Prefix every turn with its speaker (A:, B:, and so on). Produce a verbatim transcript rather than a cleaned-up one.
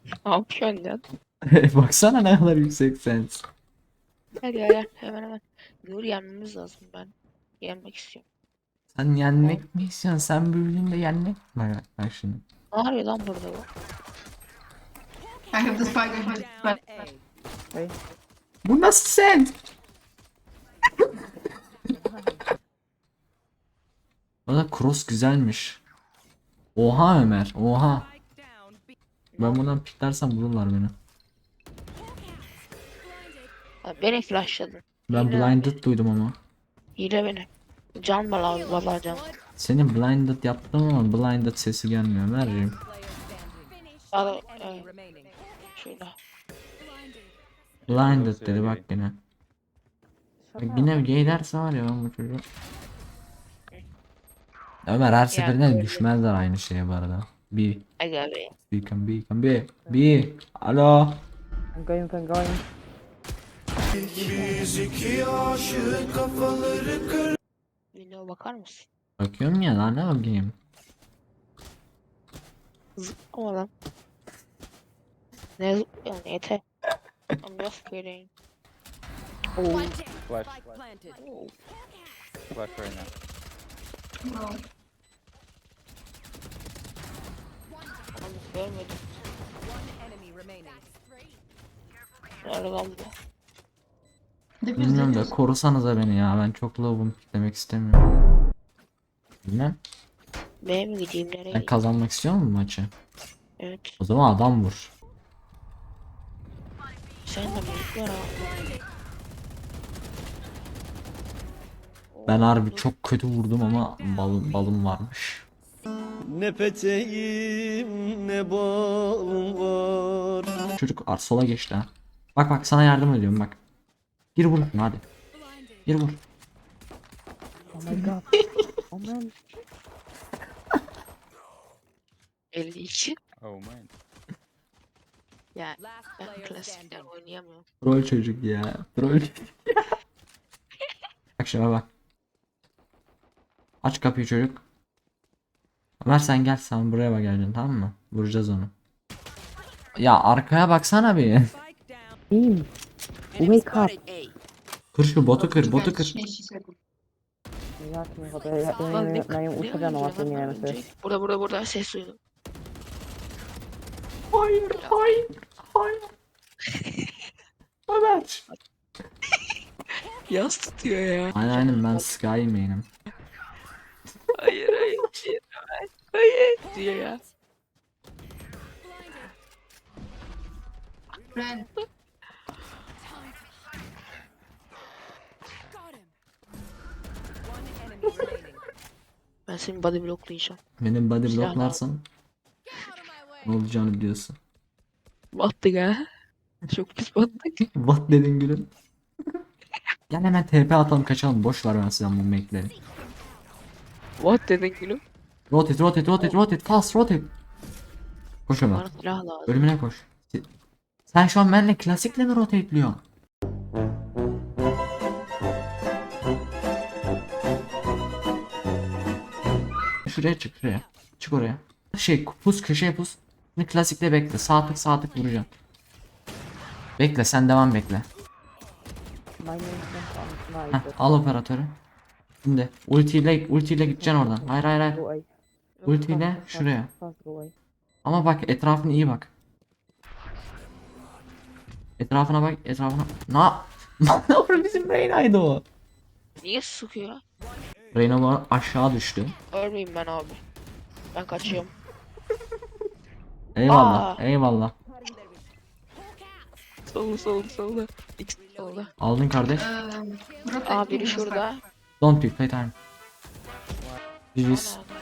A: Ne yapıyorsun lan?
B: Baksana ne kadar yüksek sens.
A: Gel gel gel hemen hemen. Nur yenmemiz lazım ben. Yenmek istiyorum.
B: Sen
A: Tamam.
B: yenmek mi istiyorsun? Sen büyüdüğünde yenmek mi? Bak, bak şimdi.
A: Ne yapıyor lan burada bu?
C: I have the spider head, but
B: Bu nasıl sen? O da cross güzelmiş. Oha Ömer, oha. Ben bundan piklersem vururlar beni.
A: Ha, beni flashladın.
B: Ben
A: Hile,
B: blinded duydum ama.
A: hile beni. Can var abi vallahi can.
B: Seni blinded yaptım ama blinded sesi gelmiyor Ömerciğim.
A: Al, evet, şöyle.
B: Blinded dedi bak yine. Bak yine gay derse var ya ben bu çocuğu. Ömer her seferinde
A: öyle.
B: düşmezler aynı şeye bu arada. Bir,
A: Aga be.
B: beacon, beacon, bir, bir, alo.
D: I'm going, I'm going.
A: Window bakar mısın?
B: Bakıyorum ya lan ne bakayım.
A: Zıplama lan. Ne zıplıyorsun ete? I'm just kidding.
E: Flash.
A: Oo.
E: Flash right now.
C: no.
A: Yalnız görmedim. Nerede lan bu?
C: Defuse,
B: Bilmiyorum da
C: defuse.
B: korusanıza beni ya ben çok low'um demek istemiyorum. Bilmem.
A: B'ye mi gideyim nereye
B: Sen
A: gideyim?
B: kazanmak istiyor musun maçı?
A: Evet.
B: O zaman adam vur.
A: Sen de büyük var abi.
B: Ben harbi çok kötü vurdum ama balım, balım varmış.
F: Ne peteğim ne balım var.
B: Çocuk ar sola geçti ha. Bak bak sana yardım ediyorum bak. Gir vur hadi. Gir vur.
D: Oh my god. Oh man.
A: elli iki.
E: Oh man.
A: Ya ben klasikten oynayamıyorum.
B: Troll çocuk ya. Troll çocuk ya. Bak şuna bak. Aç kapıyı çocuk. Ömer sen gel sen buraya bak geleceksin tamam mı? Vuracağız onu. Ya arkaya baksana bir.
D: Team. Wake up.
B: Kır şu botu kır botu kır.
C: She- she said-
D: Ya şimdi hadi ya
A: Lan ne,
D: ya
A: ne
D: ya uçacağım ama
A: oynuyor
D: seni
A: lan
D: yemesi.
A: önce? Burada burada burada ses duydum.
B: Hayır hayır hayır. Ömer.
A: Yas tutuyor ya.
B: Aynen aynen ben Sky main'im.
A: Hayır hayır. Hayır hayır. Hayır diyor ya.
C: Red.
A: Ben senin body blocklayacağım.
B: Benim body
A: Silah
B: blocklarsan ne olacağını biliyorsun.
A: Battık ha. Çok pis battık.
B: What dedin gülüm? Gel hemen T P atalım kaçalım boş ver ben size bu make'leri.
A: What dedin gülüm?
B: Rotate rotate rotate rotate fast rotate. Koş Ömer.
A: Bana silah lazım.
B: Bölümüne koş. Sen şu an benimle klasikle mi rotateliyorsun? Şuraya çık şuraya. Çık oraya. Şey pus köşeye pus. Şimdi klasikle bekle. Sağ tık sağ tık vuracaksın. Bekle sen devam bekle.
D: My name is
B: Heh,
D: Sniper.
B: al operatörü. Şimdi ultiyle ultiyle gideceksin oradan. Hayır hayır hayır.
D: Go away.
B: Ultiyle
D: Fast,
B: şuraya.
D: fast, go away.
B: Ama bak etrafına iyi bak. Etrafına bak etrafına. Na ne olur bizim Reyna'ydı o.
A: Niye sıkıyor?
B: Reyna bu arada aşağı düştü.
A: Ölmeyeyim ben abi. Ben kaçıyorum.
B: Eyvallah
A: Aa.
B: eyvallah.
A: Solda solda solda. X solda.
B: Aldın kardeş.
C: Um, rotate
A: Aa
C: to
A: biri
C: the
A: şurada.
B: Don't pick play time. G G's.
A: Ana,